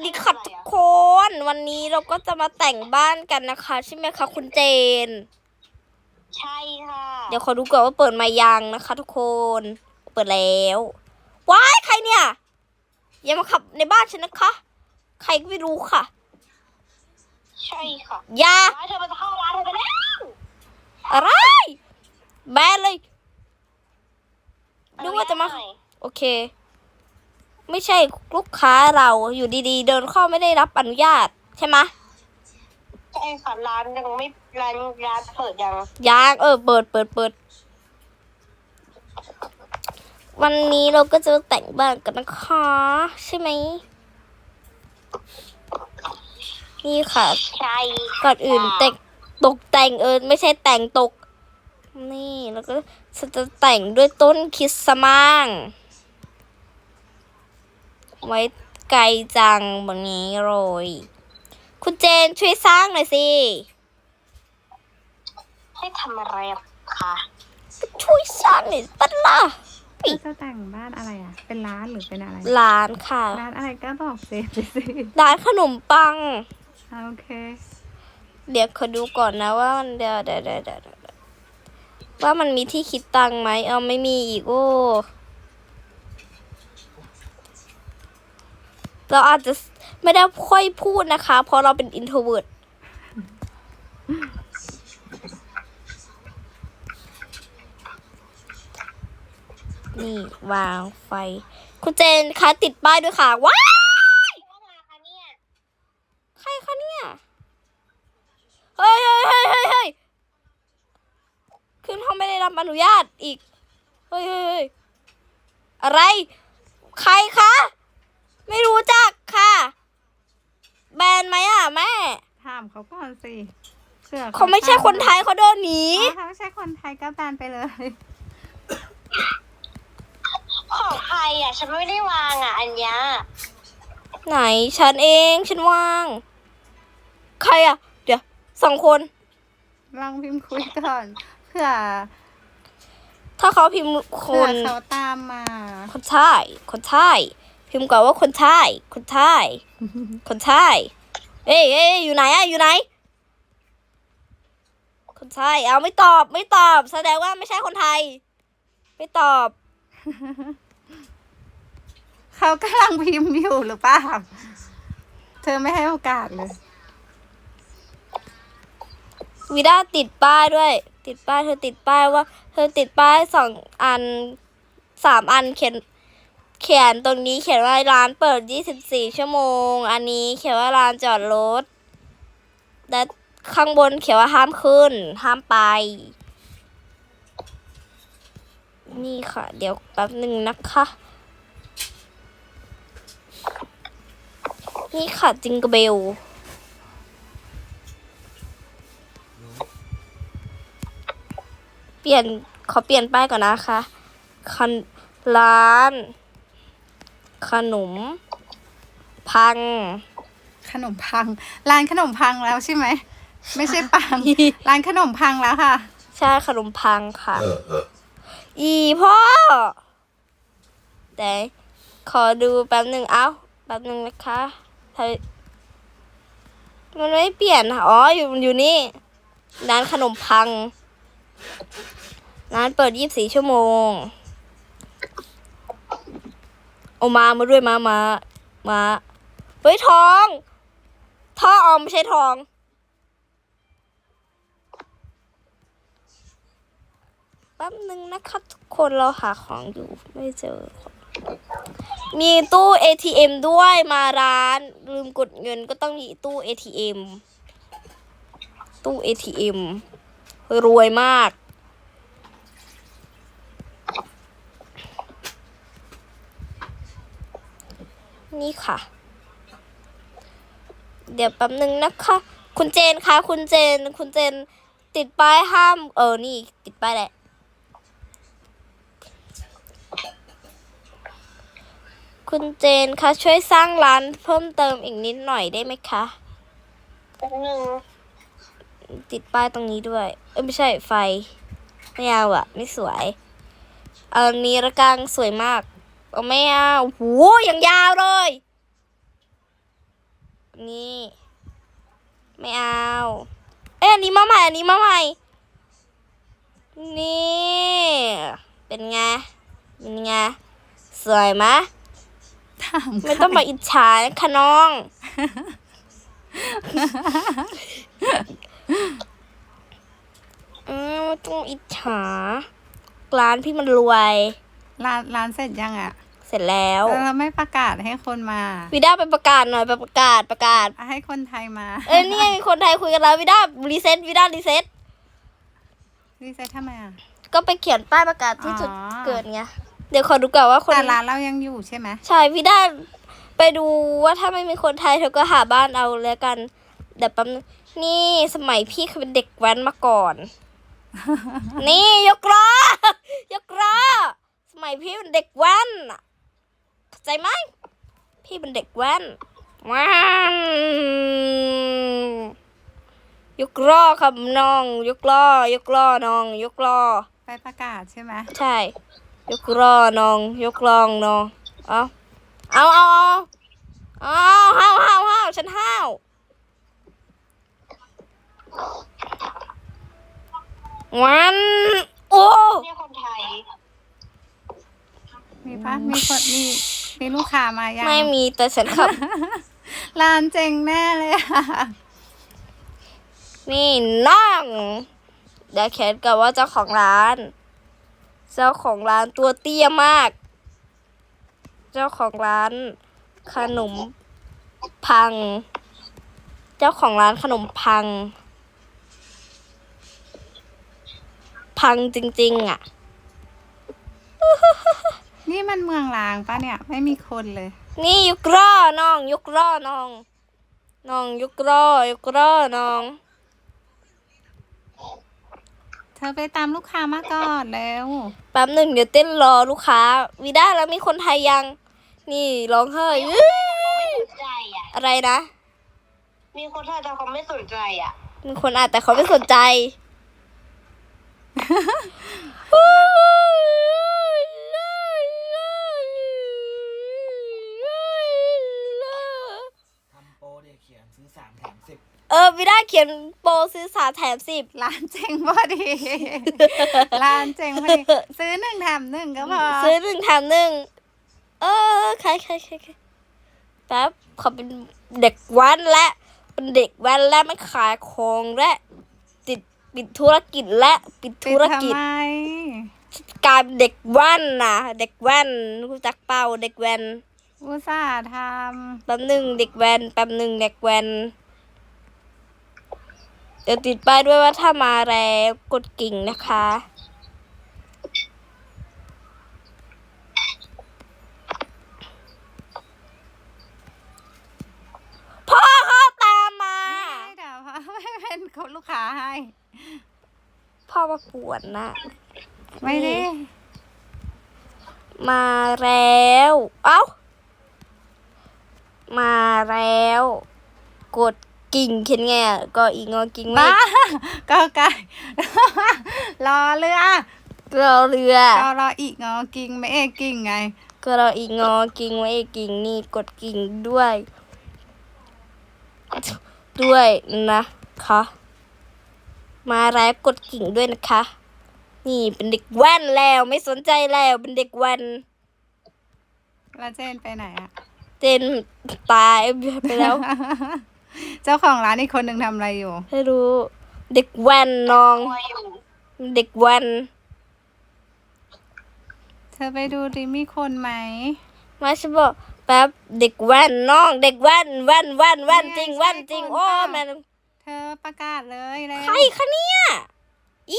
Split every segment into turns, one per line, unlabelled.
ดีค่ะทุกคนวันนี้เราก็จะมาแต่งบ้านกันนะคะใช่ไหมคะคุณเจน
ใช่ค่ะ
เดี๋ยวขอดูก่อนว่าเปิดมายังนะคะทุกคนเปิดแล้วว้ายใครเนี่ยอย่ามาขับในบ้านฉันนะคะใครก็ไม่รู้ค่ะ
ใช่ค่ะ
อย่า
ร้านเธอมันจะเข้าร้านเธอไปแล้ว
อะไรแบนเลยดูว่าจะมาโอเคไม่ใช่ลูกค้าเราอยู่ดีๆเดินเข้าไม่ได้รับอนุญาตใช่ไหม
ใช่ค่ะร้านยังไม่ร้านเปิดยัง
เปิดวันนี้เราก็จะแต่งบ้านกันนะคะใช่ไหมนี่ค่ะ
ใช่
ก่อนอื่นตกแต่งไม่ใช่แต่งตกนี่แล้วก็จะแต่งด้วยต้นคริสต์มาสไว้ไกลจังแบบนี้เลยคุณเจนช่วยสร้างหน่อยสิ
ให้ทำอะไรคะ
ช่วยสร้างหน่อยปัดล่ะ
จะแต่งบ้านอะไรอ่ะเป็นร้านหรือเป็นอะไร
ร้านค่ะ
ร้านอะไรก็บอกเซฟไปสิ
ร้านขนมปัง
โอเค
เดี๋ยวขอดูก่อนนะว่ามันเดี๋ยวว่ามันมีที่คิดตังค์ไหมไม่มีอีกโอ้เราอาจจะไม่ได้ค่อยพูดนะคะเพราะเราเป็น introvert นี่วางไฟคุณเจนคะติดป้ายด้วยค่ะว้ายใครคะเนี่ยเฮ้ยขึ้นห้องไม่ได้รับอนุญาตอีกเฮ้ยอะไรใครคะไม่รู้จักค่ะแบนไหมแม่
ถามเขาก่อนสิ
เขาไม่ใช่คนไทยเขาโดนหนี
ถ้าไม่ใช่คนไทยก็แบนไปเลย
ของใครฉันไม่ได้วางอันเนี้ย
ไหนฉันเองฉันวางใครเดี๋ยว2 คน
ลองพิมพ์คุยก่อนเผื่อ
ถ้าเขาพิมพ์คน
เขาตามมา
คนไทยพิมพ์ก่อนว่าคนไทยคนไทยเอ้ยอยู่ไหนอยู่ไหนคนไทยไม่ตอบแสดงว่าไม่ใช่คนไทยไม่ตอบ
เขากำลังพิมพ์อยู่หรือเปล่าเธอไม่ให้โอกาสเลย
วิด้าติดป้ายด้วยเธอติดป้ายว่าเธอติดป้าย2 อัน 3 อันเขียนตรงนี้เขียนว่าร้านเปิด24 ชั่วโมงอันนี้เขียนว่าร้านจอดรถและข้างบนเขียนว่าห้ามขึ้นห้ามไปนี่ค่ะเดี๋ยวแป๊บหนึ่งนะคะนี่ค่ะจิงเกอร์เบลขอเปลี่ยนป้ายก่อนนะคะร้านขนมพัง
ร้านขนมพังแล้วใช่ไหมไม่ใช่ปัง ร้านขนมพังแล้วค่ะ
ใช่ขนมพังค่ะพ่อแต่ขอดูแป๊บหนึ่งแป๊บหนึ่งนะคะมันไม่เปลี่ยนอยู่นี่ร้านขนมพังร้านเปิด24 ชั่วโมงเอามาด้วยมาเฮ้ยทองท่อไม่ใช่ทองแป๊บนึงนะคะทุกคนเราหาของอยู่ไม่เจอมีตู้ ATM ด้วยมาร้านลืมกดเงินก็ต้องมีตู้ ATM รวยมากนี่ค่ะเดี๋ยวแป๊บนึงนะคะคุณเจนคะคุณเจนติดป้ายห้ามนี่ติดป้ายแหละคุณเจนคะช่วยสร้างร้านเพิ่มเติมอีกนิดหน่อยได้ไหมคะติดป้ายตรงนี้ด้วยไม่ใช่ไฟไม่เอาไม่สวยอันนี้ระกังสวยมากไม่เอาโหอย่างยาวเลยนี่ ไม่เอา เอ้ยอันนี้มาใหม่ อันนี้มาใหม่ นี่ เป็นไง เป็นไง สวยไหม
ถาม
ไม่ต้องมาอิจฉานะคะน้อง ไม่ต้องอิจฉา ร้านพี่มันรวย
ร้านเสร็จยังอ่ะ
เสร็จแล้ว
เราไม่ประกาศให้คนมา
วิด้าไปประกาศหน่อยไปประกาศ
ให้คนไทยมา
นี่ไงมีคนไทยคุยกันแล้ววิด้ารีเซ็ตวิด้ารีเซ็ต
รีเซ็ตทำไมอ่ะ
ก็ไปเขียนป้ายประกาศที่จุด
อ๋อ
เกิดไง เดี๋ยวขอดูก่อนว่าคน
แต่ร้านเรายังอยู่ใช่ไหม
ใช่วิด้าไปดูว่าถ้าไม่มีคนไทยเธอก็หาบ้านเอาแล้วกัน เดี๋ยวแป๊บนึงนี่สมัยพี่เคยเป็นเด็กแว้นมาก่อน นี่ยกล้อยกล้อสมัยพี่เป็นเด็กแว้นอะเข้าใจไหมพี่เป็นเด็กแว้นว้าว ยกล้อครับน้อง ยกล้อยกล้อน้อง ยกล้อ
ไปประกาศใช่ไหม
ใช่ ยกล้อน้อง ยกล้องน้องเอาห้าวฉันห้าววันโอ้
เนี่ยคนไทย
มีปะมีคนมีลูกค้ามายัง
ไม่มีแต่ฉันขับ
ร้านเจ๋งแน่เลยอ่ะ
นี่น้องเดี๋ยวแคทกับว่าเจ้าของร้าน เจ้าของร้านตัวเตี้ยมาก เจ้าของร้านขนมพัง เจ้าของร้านขนมพัง พังจริงๆอ่ะ
นี่มันเมืองร้างปะเนี่ย ไม่มีคนเลย
นี่ยกล้อน้อง ยกล้อน้อง น้องยกล้อยกล้อน้อง
เธอไปตามลูกค้ามาก่อนแล้ว
แป๊บหนึ่งเดี๋ยวเต้นรอลูกค้าวีด้าแล้วมีคนไทยยัง นี่ร้องเฮ้ย
เขาไม่สนใจอ่ะ
อะไรนะ
มีคนไทยแต่เขาไม่สนใจอ่ะ
มีคนอ่านแต่เขาไม่สนใจ
ทำโปรเด็กเขียนซื้อ3 แถม 10
วิด้าเขียนโปรซื้อ3 แถม 10
ร้านเจ๋งพอดี ร้านเจ๋งพอดี ซื้อ1 แถม 1ก็พอ
ซื้อ1 แถม 1ใครแป๊บเขาเป็นเด็กแว้นและเป็นเด็กแว้นและไม่ขายของและปิดธุรกิจและปิด
ปิ
ธุ
ด
ร
ทำ
กิจ
ไม
กลายเป็นเด็กแว่นนะเด็กแว่นรู้จักเปล่าเด็กแว่น
อุตส่าห์ท
แป๊บหนึ่งเด็กแว่นแป๊บหนึ่งเด็กแว่นเดี๋ยวติดป้ายด้วยว่าถ้ามาแล้วกดกิ่งนะคะพ่อเขาตามมา
ำเดี๋ยวพ่อไม่เป็นคนลูกค้าให้
พ่อมาปวดนะ
ไม่ได้
มาแล้วเอ้ามาแล้ว กดกิ่งเขียนไงอะก็อีงอกิ่งไม่
บ้า ก็ไก่ รอเรือ
รอเรือ
รออีกงอกิ่งไม่เอกกิ่งไง
ก็รออีงอกิ่งไว้อีกกิ่งนี่กดกิ่งด้วยนะคะ มาแล้วกดกิ่งด้วยนะคะ นี่เป็นเด็กแว่นแล้วไม่สนใจแล้วเป็นเด็กแว่น
แล้วเจนไปไหนอะ
เจนตายไปแล้ว
เจ้าของร้านอีกคนหนึ่งทำอะไรอยู่
ไม่รู้ เด็กแว่นน้อง
ตัวอยู่
เด็กแว่น
เธอไปดูดิมีคนไหม
มาฉันบอกแป๊บเด็กแว่นน้อง เด็กแว่นจริงแว่นจริงโอ้แม่
เธอประกาศเลยแล้ว
ใครคะเนี่ยอี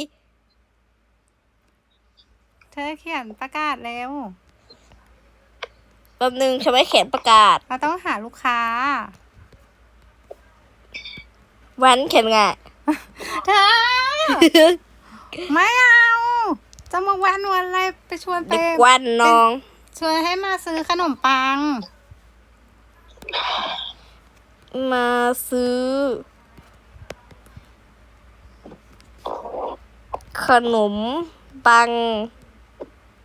เธอเขียนประกาศแล้ว
แป๊บนึงฉันไม่เขียนประกาศ
เราต้องหาลูกค้า
แว่นเขียนไง
เธอ ไม่เอา จะมาวันอะไรไปชวนไป
เด็กแว่นน้อง
ชวนให้มาซื้อขนมปัง
มาซื้อ ขนมปัง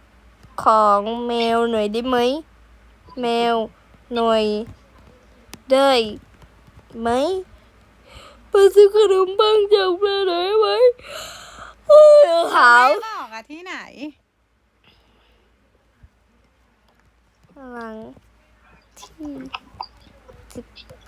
ของแมวหน่อยได้ไหมแมวหน่อยได้ไหมมาซื้อขนมปังจากแม่ได้ไหมโอ้ยขาว
ไม่บอกอะที่ไหน
หลังที่18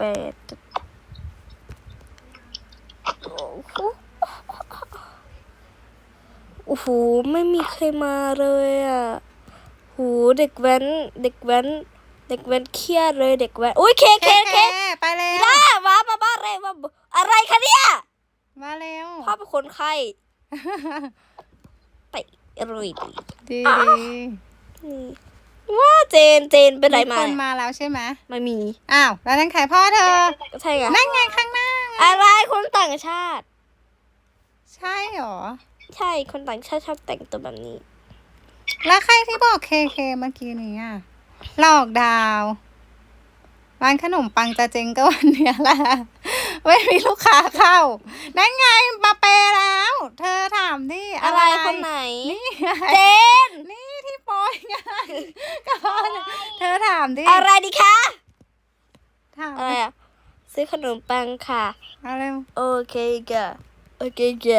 โอ้โหไม่มีใครมาเลยอ่ะโหเด็กแว้นเครียดเลยเด็กแว้นอุ้ยเค
ไปเร็ว
ได้มาบ้านอะไรมาอะไรคะเนี่ย
มาเร็ว
พ่อเป็นคนไข้ไปรุยดี
ดี
นี่ว่าเจนเป็นไร
มี
มา
คนมาแล้วใช่ไหม
ไม่มี
อ้าวแล้วนั่นใครพ่อเธอ
ก็ใช่ไง
นั่นไงข้างหน้าไง
อะไรคนต่างชาติ
ใช่เหรอ
ใช่คนต่างชาติชอบแต่งตัวแบบนี้
แล้วใครที่บอกเคเมื่อกี้นี้อ่ะหลอกดาวร้านขนมปังจะเจ๊งก็วันเนี้ยแหละไม่มีลูกค้าเข้า นั่นไงมาเปแล้ว เธอถามดิ
อะไรคนไหน
นี่ไง
เจน
นี่ที่โปอยไงก็พอเธอถามดิ
อะไรดีคะ
ถาม
อะไรอ่ะซื้อขนมปังค่ะ
อะไร
โอเคค่ะโอเคค่ะ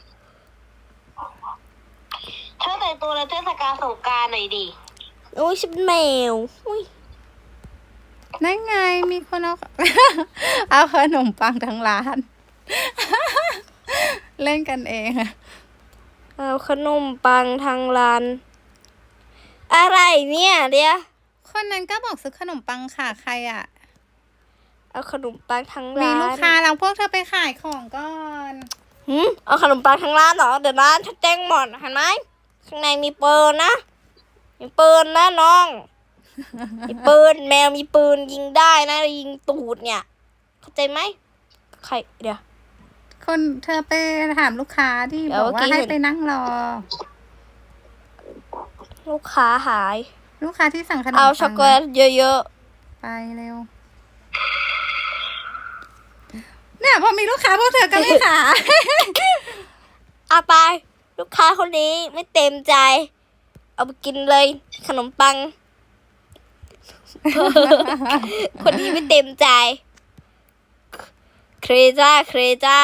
เธอแต่งตัวแล้วเทศกาลสงกรานต์หน่อยดิ
โอ้ยฉันเป็นแมวอุ้ย
นั่นไงมีคนเอา เอาขนมปังทั้งร้าน เล่นกันเองอะ
เอาขนมปังทางร้าน อะไรเนี่ยเดี๋ยว
คนนั้นก็บอกซื้อขนมปังค่ะใครอ่ะ
เอาขนมปังทาง
มี
ร้าน
ลูกค้าแล้วพวกเธอไปขายของก่อน
เอาขนมปังทางร้านเหรอเดี๋ยวร้านฉันแจ้งหมดเห็นไหมข้างในมีปืนนะมีปืนนะน้อง มีปืนแมวมีปืนยิงได้นะยิงตูดเนี่ย เข้าใจไหมใครเดี๋ยว
คนเธอไปถามลูกค้าที่
เดี๋ยว
บอกว่า
เมื่อกี้
ให้
เห็น
ไปนั่งรอ
ลูกค้าหาย
ลูกค้าที่สั่งขนม
เอา
ปัง
ช็อกโกแลตเยอะ
ไปเร็ว เนี่ยพอมีลูกค้าพวกเธอก็ไม่ขาย
ๆเอาไป ลูกค้าคนนี้ไม่เต็มใจ เอาไปกินเลย ขนมปัง คนนี้ไม่เต็มใจ เครจ้า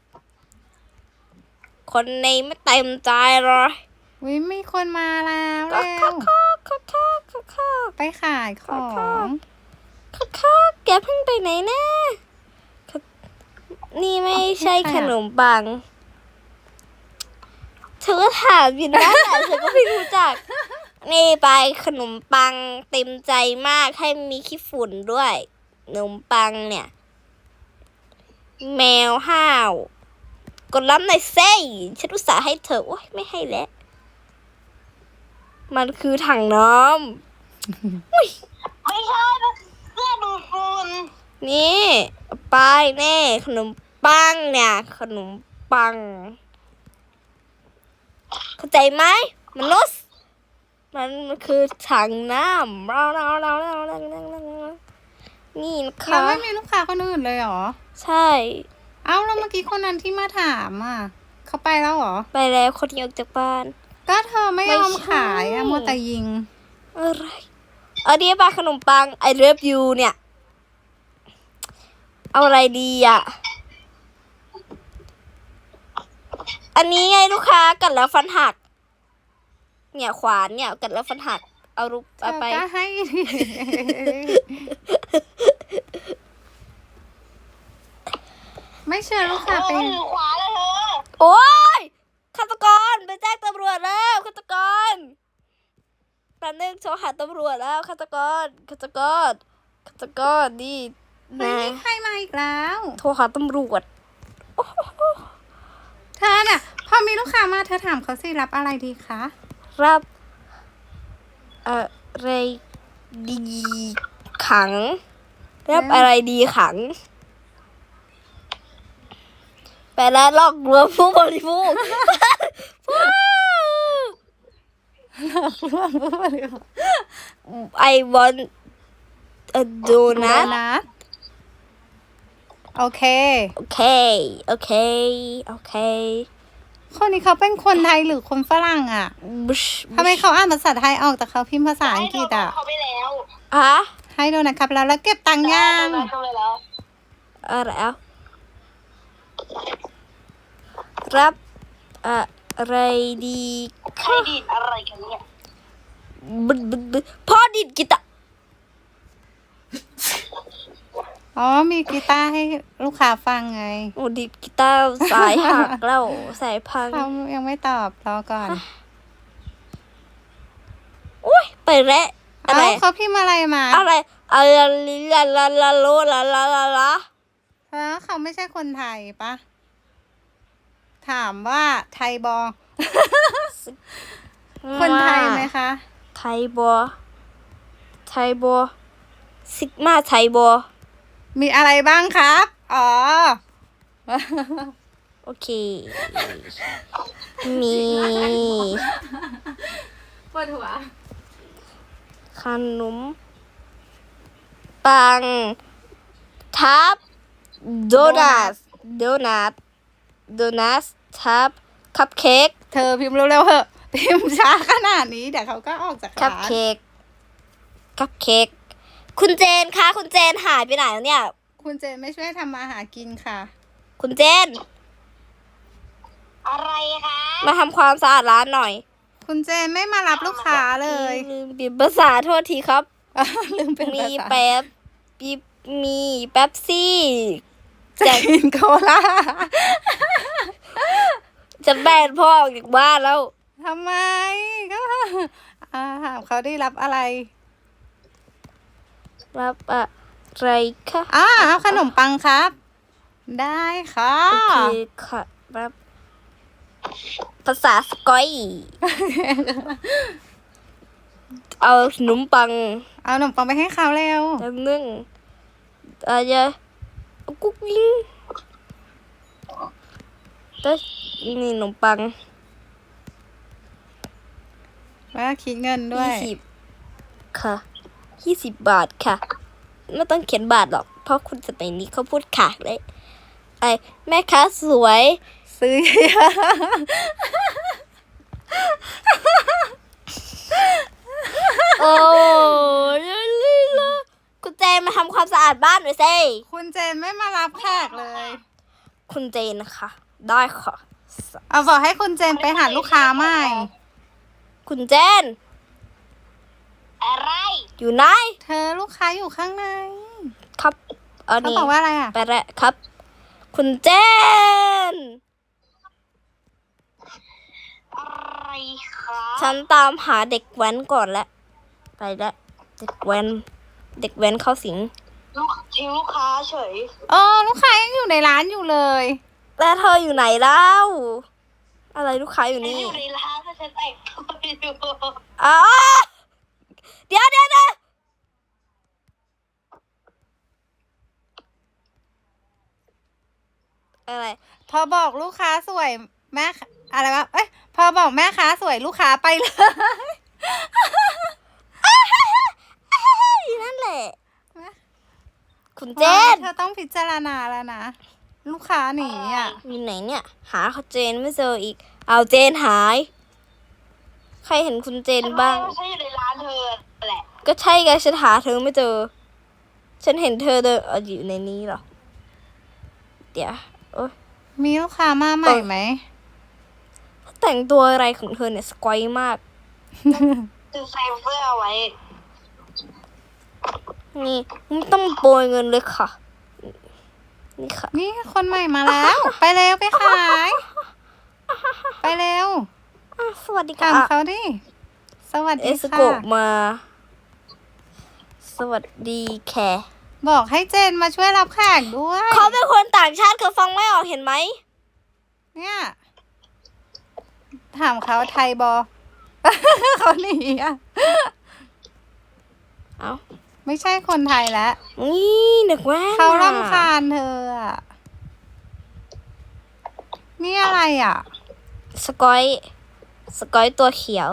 คนนี้ไม่เต็มใจเลย
วิมีคนมาแล้ว
ก็
เร็ว
ข้า
ไปขายของ
แกเพิ่งไปไหนนะนี่ไม่ใช่ขนมปัง เธอก็ถามอยู่นะแต่เธอก็ไม่รู้จัก นี่ไปขนมปังเต็มใจมากให้มีขี้ฝุ่นด้วยขนมปังเนี่ย แมวห้าวกดรับหน่อยเซ่ฉันอุตส่าห์ให้เธอโอ๊ยไม่ให้แล้ว มันคือถังน้ำ
ไม่ใช่เสื้อดูดฝุ่น
นี่เอาไปแน่ขนมปังเนี่ยขนมปัง เข้าใจไหมมนุษย์มันคือถังน้ำนี่นะ
เรา
คะ
ไม่มีลูกค้าคนอื่นเลยเหรอ
ใช่
เอ้าแล้วเมื่อกี้คนนั้นที่มาถามอ่ะ เขาไปแล้วเหรอ
ไปแล้วคนที่ออกจากบ้าน
ก็เธอไม่ยอม
ไม่ใช่
ขายอะมัวแต่ยิง
อะไรเอาเดียวปลาขนมปัง I love you เนี่ย เอาอะไรดีอ่ะ อันนี้ไงลูกค้ากัดแล้วฟันหัก เนี่ยขวานเนี่ยกัดแล้วฟันหัก เอารูป
เธ
เอา
อ
ไป
ก็ให้ ไม่เชื่อลูกค้าไป
ถือขวาเลยเธอ
โอ๊ยฆาตกรไปแจ้งตำรวจแล้วฆาตกรแป๊บนึงโทรหาตำรวจแล้วฆาตกรนี่
ไม่
นะ
มีใครมาอีกแล้ว
โทรหาตำรวจ
เธอน่ะ พอมีลูกค้ามาเธอถามเขาสิรับอะไรดีคะ
รับอะไรดีขัง รับอะไรดีขัง ไปแล้วลอกลวงผู้บริโภค I want a donut
นัทโอเค
โอเค
คนนี้เขาเป็นคนไทยหรือคนฝรั่งอ่ะ
บุช
ทำไมเขาอ่านภาษาไทยออกแต่เขาพิมพ์ภาษาอังกฤษอ่ะ
เขาไปแล้ว
ฮะ
ฮให้โดนัทครับแล้วเก็บตังค์ย่าง
ทำไมแล้ว
อะไรเอารับอะไรดี
ใครดีดอะไรกันเนี่ย
บึดพ่อดิดกีตาร์
อ๋อมีกีตาร์ให้ลูกค้าฟังไง
โอ้ดิดกีตาร์สายหักแล้วสายพัง
เขายังไม่ตอบรอก่อน
อุ้ยไปแล้วอะไร
เอ้าเขาพิมพ์อะไรมา
อะไรอะไรลาโลลาลา
แล้วเขาไม่ใช่คนไทยปะถามว่าไทยบอ คนไทยไหมคะ
ไทยบอซิกมาไทยบอ
มีอะไรบ้างครับ อ๋อ
โอเค มี
ปวดหัว
ขนมปังทับโดนัททับคัพเค้ก
เธอพิมพ์เร็วๆเหอะ พิมพ์ช้าขนาดนี้เดี๋ยวเขาก็ออกจาก
คัพ
ร้าน
เค้กคุณเจนคะคุณเจนหายไปไหนแล้วเนี่ย
คุณเจนไม่ช่วยทำมาหากินค่ะ
คุณเจน
อะไรคะ
มาทำความสะอาดร้านหน่อย
คุณเจนไม่มารับลูกค้าเลย
ลืมปิดภาษาโทษทีครับ
ลืมเป็น
มี
ภาษา
มีแป๊บซี่
จะกินโคลา
จะแบนพ่อออกจากบ้านแล้ว
ทำไมก็ถามเขาได้รับอะไร
รับอะไรคะ
เอาขนมปังครับ ได้ค่ะ
โอเคค่ะรับภาษาสกอย เอาขนมปัง
เอาขนมปังไปให้เขาเร็ว
แล้วนึ่งอะไรกุ๊กยิงแต่นี่ขนมปัง
แล้วคิดเงินด้วย
20ค่ะ20 บาทค่ะไม่ต้องเขียนบาทหรอกเพราะคุณสมัยนี้เขาพูดขาดเลยไอ้แม่ค้าสวย
ซื้อเยอะ
โอ้ยคุณเจนมาทำความสะอาดบ้านหน่อยสิ
คุณเจนไม่มารับแขกเลย
คุณเจนนะคะ ได้ค่ะ
เอาบอกให้คุณเจนไปหาลูกค้าใหม่
คุณเจน
อะไร
อยู่ไหน
เธอลูกค้าอยู่ข้างใน
ครับอัน
เขา
นี้
บอกว่าอะไรอ่ะ
ไปแล้วครับ คุณเจน
อะไรคะ
ฉันตามหาเด็กแว้นก่อนแล้วไปแล้วเด็กแว้นเข้าสิง
ทิ้งลูกค้าเฉย
ลูกค้ายังอยู่ในร้านอยู่เลย
แล้วเธออยู่ไหนเล่าอะไรลูกค้าอยู่นี่
อยู่ในร้านถ้าฉันแต่งตัวอยู่
อ๋อเดี๋ยวอะไร
พอบอกลูกค้าสวยแม่อะไรวะ เอ้ย พอบอกแม่ค้าสวยลูกค้าไปเลย
นั่นแหละ คุณเจน
เธอต้องพิจารณาแล้วนะ ลูกค้าหนีอ่ะ
อยู่ไหนเนี่ย หาเจนไม่เจออีก เอาเจนหาย ใครเห็นคุณเจนบ้าง
ฉันอยู่ในร้านเธอแหละ
ก็ใช่ไงฉันหาเธอไม่เจอ ฉันเห็นเธอเดินอยู่ในนี้เหรอ เดี๋ยวโอ๊ย
มีลูกค้ามาใหม่ไหม
แต่งตัวอะไรของเธอเนี่ยสกอยมาก
คือใส่เสื้อไว้
นี่ไม่ต้องโปรยเงินเลยค่ะ นี่ค่ะ
นี่คนใหม่มาแล้ว ไปเร็วไปขาย ไปเร็ว
สวัสดี
ถา
ค่ะ
มเขาดิ สวัส
เอ
ดี
ส
ค่ะ
โกะมา สวัสดีแค่
บอกให้เจนมาช่วยรับแขกด้วย
เขาเป็นคนต่างชาติเขาฟังไม่ออกเห็นไหม
เนี่ย ถามเขาไทยบอ เขาหนีอ่ะ
เอ้า
ไม่ใช่คนไทยแล้ว
นี่เด็กแว่น
เขา
น่ะ
รำคาญเธออ่ะ นี่อะไรอ่ะ
สกอยตัวเขียว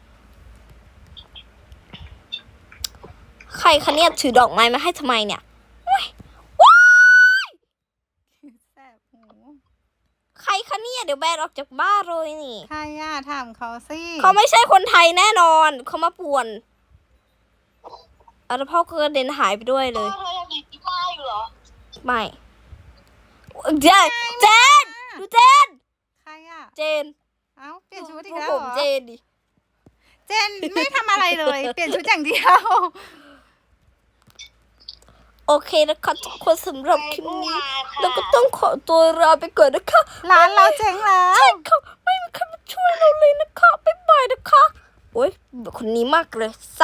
ใครคะเนี่ยถือดอกไม้มาให้ทำไมเนี่ยว้าย
แสบหู
ใครคะเนี่ยเดี๋ยวแบนออกจากบ้านเลยนี่
ใครอ่ะถามเขาสิ
เขาไม่ใช่คนไทยแน่นอน เขามาป่วนแล้วพ่อก็กระเด็นหายไปด้วยเลย
เธอยังมีที่บ้านอยู่เหรอ
ไม่เจนเจนดูเจน
ใครอ่ะ
เจน
เอ้าเปลี่ยนชุดอีก
ดู
แล้ว
ผ
เห
ม
รอ
เจนดิ
เจนไม่ทำอะไรเลย เปลี่ยนชุดอย่างเดียว
โอเคนะคะทุกคนสำหรับคลิปนี้แล้วก็ต้องขอตัวลาไปก่อนนะคะ
ร้านเราเจ๊งแล้ว
ใช่ค่ะไม่มีใครมาช่วยเราเลยนะคะบ๊ายบายนะคะโอ๊ยคนนี้มากเลย